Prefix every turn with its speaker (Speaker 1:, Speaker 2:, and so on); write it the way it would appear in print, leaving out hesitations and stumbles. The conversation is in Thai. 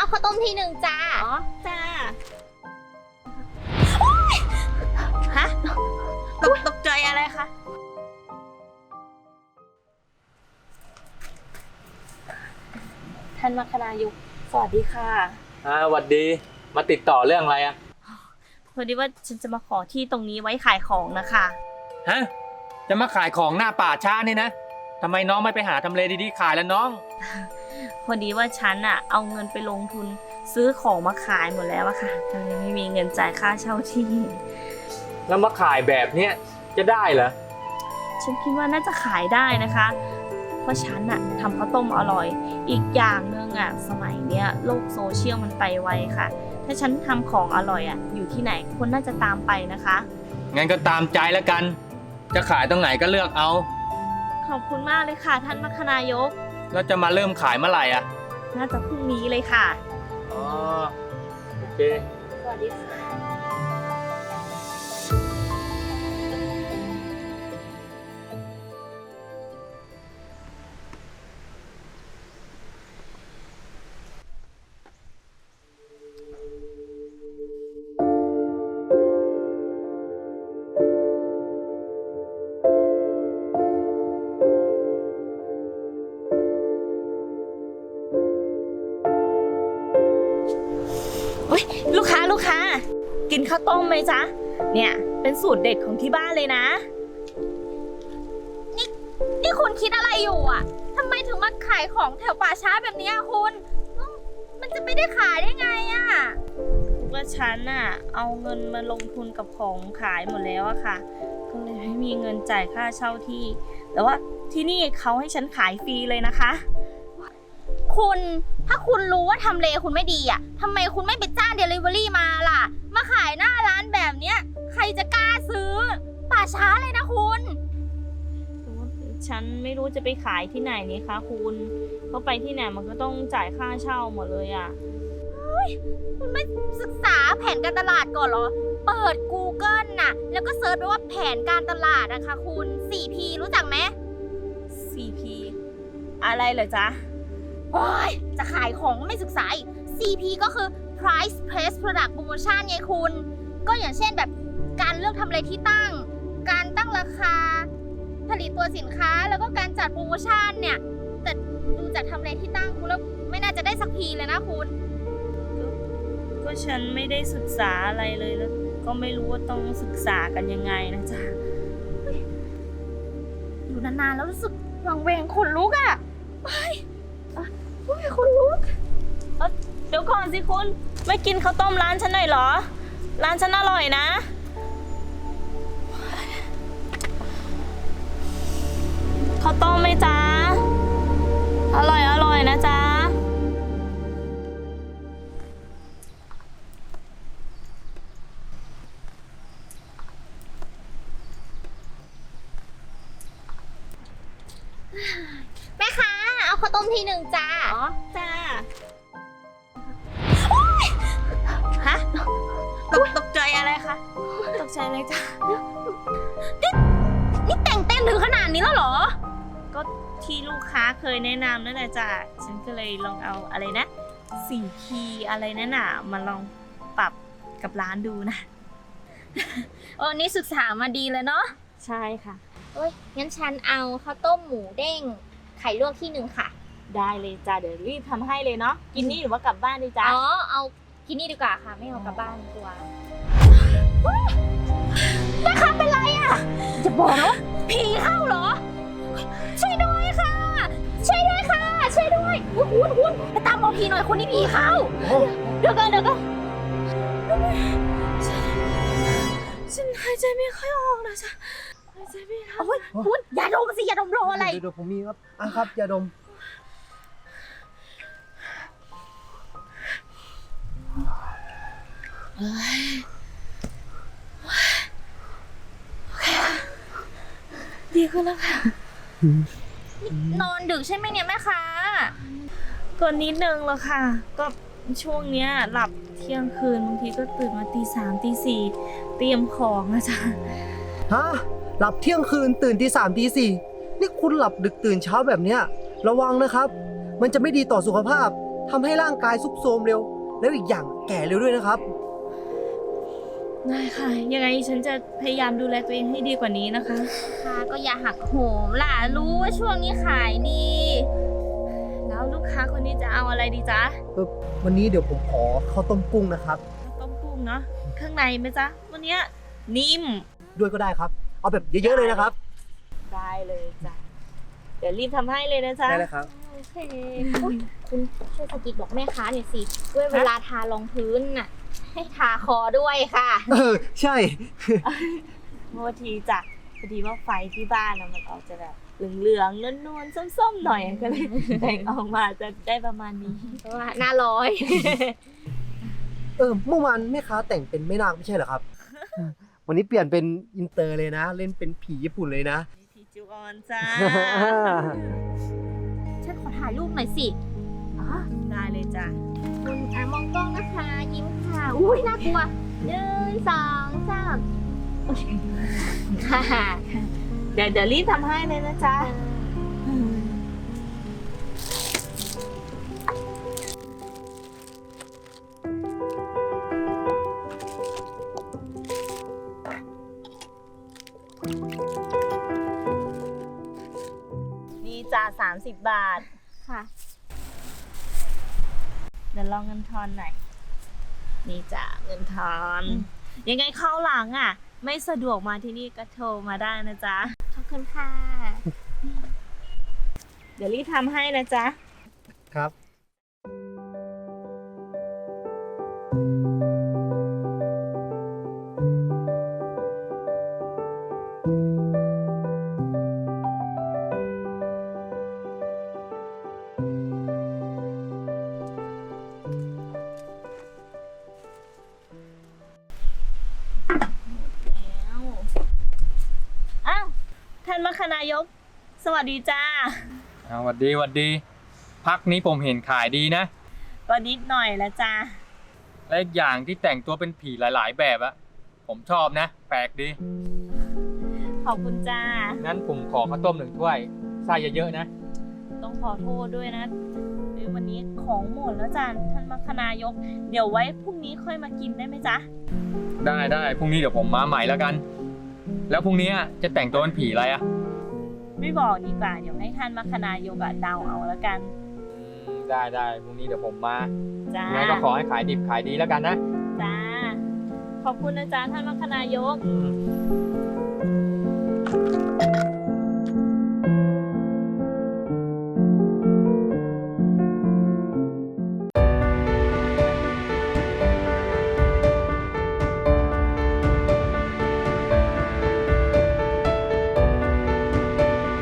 Speaker 1: ข้าวต้มที่หนึ่งจ้า
Speaker 2: อ๋อจ้าฮะตกใจอะไรคะท่านมัคคณายกสวัสดีค่ะ
Speaker 3: สวัสดีมาติดต่อเรื่องอะไรอะ
Speaker 2: พอดีว่าฉันจะมาขอที่ตรงนี้ไว้ขายของนะคะ
Speaker 3: ฮะจะมาขายของหน้าป่าช้านี่นะทำไมน้องไม่ไปหาทำเลดีๆขายแล้วน้อง
Speaker 2: พอดีว่าฉันอะเอาเงินไปลงทุนซื้อของมาขายหมดแล้วอะค่ะตอนนี้ไม่มีเงินจ่ายค่าเช่าที่
Speaker 3: แล้วมาขายแบบเนี้ยจะได้เหรอ
Speaker 2: ฉันคิดว่าน่าจะขายได้นะคะเพราะฉันอะทำข้าวต้มอร่อยอีกอย่างหนึ่งอะสมัยเนี้ยโลกโซเชียลมันไปไวค่ะถ้าฉันทำของอร่อยอะอยู่ที่ไหนคนน่าจะตามไปนะคะ
Speaker 3: งั้นก็ตามใจแล้วกันจะขายตรงไหนก็เลือกเอา
Speaker 2: ขอบคุณมากเลยค่ะท่านมัคคณายก
Speaker 3: แล้วจะมาเริ่มขายเมื่อไหร่อะ
Speaker 2: น่าจะพรุ่งนี้เลยค่ะ
Speaker 3: อ๋อโอเค
Speaker 2: สวัสดีค่ะลูกค้ากินข้าวต้มไหมจ๊ะเนี่ยเป็นสูตรเด็ดของที่บ้านเลยนะ
Speaker 1: นี่คุณคิดอะไรอยู่อ่ะทำไมถึงมาขายของแถวป่าช้าแบบนี้คุณมันจะไม่ได้ขายได้ไงอ่ะ
Speaker 2: ว่าฉันน่ะเอาเงินมาลงทุนกับของขายหมดแล้วอะค่ะก็เลยไม่มีเงินจ่ายค่าเช่าที่แต่ว่าที่นี่เขาให้ฉันขายฟรีเลยนะคะ
Speaker 1: คุณถ้าคุณรู้ว่าทำเลคุณไม่ดีอ่ะทำไมคุณไม่ไปจ้างเดลิเวอรี่มาล่ะมาขายหน้าร้านแบบเนี้ยใครจะกล้าซื้อป่าช้าเลยนะคุณ
Speaker 2: ฉันไม่รู้จะไปขายที่ไหนนี่คะคุณเพราะไปที่ไหนมันก็ต้องจ่ายค่าเช่าหมดเลยอ่ะ
Speaker 1: คุณไม่ศึกษาแผนการตลาดก่อนเหรอเปิด Google น่ะแล้วก็เซิร์ชไปว่าแผนการตลาดนะคะคุณ 4P รู้จักไหม
Speaker 2: 4P อะไรเหรอจ๊ะ
Speaker 1: โอ้ยจะขายของไม่ศึกษาอีก CP ก็คือ price place product promotion ไงคุณก็อย่างเช่นแบบการเลือกทำเลที่ตั้งการตั้งราคาผลิตตัวสินค้าแล้วก็การจัดโปรโมชั่นเนี่ยแต่ดูจากทำเลที่ตั้งคุณแล้วไม่น่าจะได้สักพีเลยนะคุณ
Speaker 2: ก็ฉันไม่ได้ศึกษาอะไรเลยแล้วก็ไม่รู้ว่าต้องศึกษากันยังไงนะจ๊ะ
Speaker 1: อยู่นานๆแล้วรู้สึกวังเวงขนลุกอ่ะคุณลุก
Speaker 2: เดี๋ยวก่อนสิคุณไม่กินข้าวต้มร้านฉันหน่อยเหรอร้านฉันอร่อยนะข้าวต้มไหมจ๊ะอร่อยนะจ๊ะ
Speaker 1: แม่ค้าเอาข้าวต้มที่หนึ่งจ้า
Speaker 2: อ๋อจ้าฮะตกใจอะไรคะตกใจเลยจ้า
Speaker 1: นี่แต่งเต้นถึงขนาดนี้แล้วเหรอ
Speaker 2: ก็ที่ลูกค้าเคยแนะนำนั่นแหละจ้ะฉันก็เลยลองเอาอะไรนะ4Pอะไรนั่นน่ะมาลองปรับกับร้านดูนะ
Speaker 1: นี่ศึกษามาดีเลยเนาะ
Speaker 2: ใช่ค่ะ
Speaker 1: งั้นฉันเอาข้าวต้มหมูเด้งไข่ลวกที่หนึ่งค่ะ
Speaker 2: ได้เลยจ้ะเดี๋ยวรีบทำให้เลยเนาะกินนี่หรือว่ากลับบ้านดีจ้ะ
Speaker 1: เอากินนี่ดีกว่าค่ะไม่เอากลับบ้านดีกว่าแม่ค้าเป็นไรอ่ะจะบอกนะว่าผีเข้าเหรอช่วยด้วยค่ะช่วยด้วยค่ะช่วยด้วยคุณไปตามหมอผีหน่อยคนนี้ผีเข้าเดี๋ยวกัน
Speaker 2: ฉันหายใจไม่ค่อยออกนะจ๊ะหายใจไม่ออก
Speaker 1: คุณอย่าดมสิอย่าดมรออะไร
Speaker 4: เดี๋ยวผมมีครับครับอย่าดม
Speaker 2: โอเคค่ะดีขึ้นแล้วค่ะ
Speaker 1: นอนดึกใช่ไหมเนี่ยแม่ค้า
Speaker 2: ก็นิดนึงแล้วค่ะก็ช่วงเนี้ยหลับเที่ยงคืนบางทีก็ตื่นมาตี 3 ตี 4เตรียมของนะจ๊ะ
Speaker 4: ฮะหลับเที่ยงคืนตื่นตี 3 ตี 4นี่คุณหลับดึกตื่นเช้าแบบเนี้ยระวังนะครับมันจะไม่ดีต่อสุขภาพทำให้ร่างกายทรุดโทรมเร็ว แล้วอีกอย่างแก่เร็วด้วยนะครับ
Speaker 2: ได้ค่ะ ยังไงฉันจะพยายามดูแลตัวเองให้ดีกว่านี้นะคะ
Speaker 1: ค่ะก็อย่าหักโหมล่ะ รู้ว่าช่วงนี้ขายดี
Speaker 2: แล้วลูกค้าคนนี้จะเอาอะไรดีจ๊ะ
Speaker 4: วันนี้เดี๋ยวผมขอข้าวต้มกุ้งนะครับ
Speaker 2: ต้มกุ้งเนาะเครื่องในไหมจ๊ะวันเนี้ยนิ่ม
Speaker 4: ด้วยก็ได้ครับ เอาแบบเยอะๆเลยนะครับ
Speaker 2: ได้เลยจ้ะเดี๋ยวรีบทำให้เลยนะจ๊ะ
Speaker 4: ได้เลยครับ
Speaker 1: โอเคอุ๊ยคุณช่วยสะกิดบอกแม่ค้าหน่อยสิด้วยเวลาทารองพื้นน่ะ ให้ทาคอด้วยค่ะ
Speaker 4: ใช่
Speaker 2: โทษทีจ้ะพอดีว่าไฟที่บ้านนะมันออกจะแบบเหลืองๆนวลๆส้มๆหน่อยก็เลยแต่งออกมาจะได้ประมาณนี้
Speaker 1: เพราะว่าหน้าร้อย
Speaker 4: เมื่อวานแม่ค้าแต่งเป็นแม่นางไม่ใช่เหรอครับ วันนี้เปลี่ยนเป็นอินเตอร์เลยนะ เล่นเป็นผีญี่ปุ่นเลยนะ
Speaker 2: พี่จูออนจ้า
Speaker 1: ฉันขอถ่ายรูปหน่อยสิ
Speaker 2: อ๋อได้เลยจ้ะ
Speaker 1: คุณมองกล้องนะคะ ยิ้มค่ะ อุ้ยน่ากลัวหนึ่งสองสามค่ะ
Speaker 2: เดี๋ยวรีบทำให้เลยนะจ๊ะ นี่จ้ะ30 บาท
Speaker 1: ค่ะ
Speaker 2: เดี๋ยวลองเงินทอนหน่อย นี่จ้ะเงินทอน ยังไงเข้าหลังอ่ะ ไม่สะดวกมาที่นี่ก็โทรมาได้นะจ๊ะ
Speaker 1: ขอบคุณค่ะ
Speaker 2: เดี๋ยวรีบทำให้นะจ๊ะ
Speaker 4: ครับ
Speaker 2: แล้วอ้าวท่านมคณายก สวัสดีจ้า
Speaker 3: หวัดดีหวัดดี พักนี้ผมเห็นขายดีนะ
Speaker 2: ก็นิดหน่อยละจ้า
Speaker 3: และอีกอย่างที่แต่งตัวเป็นผีหลายๆ แบบอะผมชอบนะ แปลกดี
Speaker 2: ขอบคุณจ้า
Speaker 3: งั้นผมขอข้าวต้ม1 ถ้วยไส้เยอะๆนะ
Speaker 2: ต้องขอโทษด้วยนะวันนี้ของหมดแล้วจ้าท่านมคณายก เดี๋ยวไว้พรุ่งนี้ค่อยมากินได้ไหมจ๊ะ
Speaker 3: ได้พรุ่งนี้เดี๋ยวผมมาใหม่แล้วกัน แล้วพรุ่งนี้จะแต่งตัวเป็นผีอะไรอะ
Speaker 2: ไม่บอกดีกว่า เดี๋ยวให้ท่านมคณายกอะเดาเอาแล้วกัน
Speaker 3: ได้พรุ่งนี้เดี๋ยวผมมา
Speaker 2: จ้า
Speaker 3: งั้นก็ขอให้ขายดิบขายดีแล้วกันนะ
Speaker 2: จ้า ขอบคุณนะจ๊ะท่านมคณายก
Speaker 3: อืม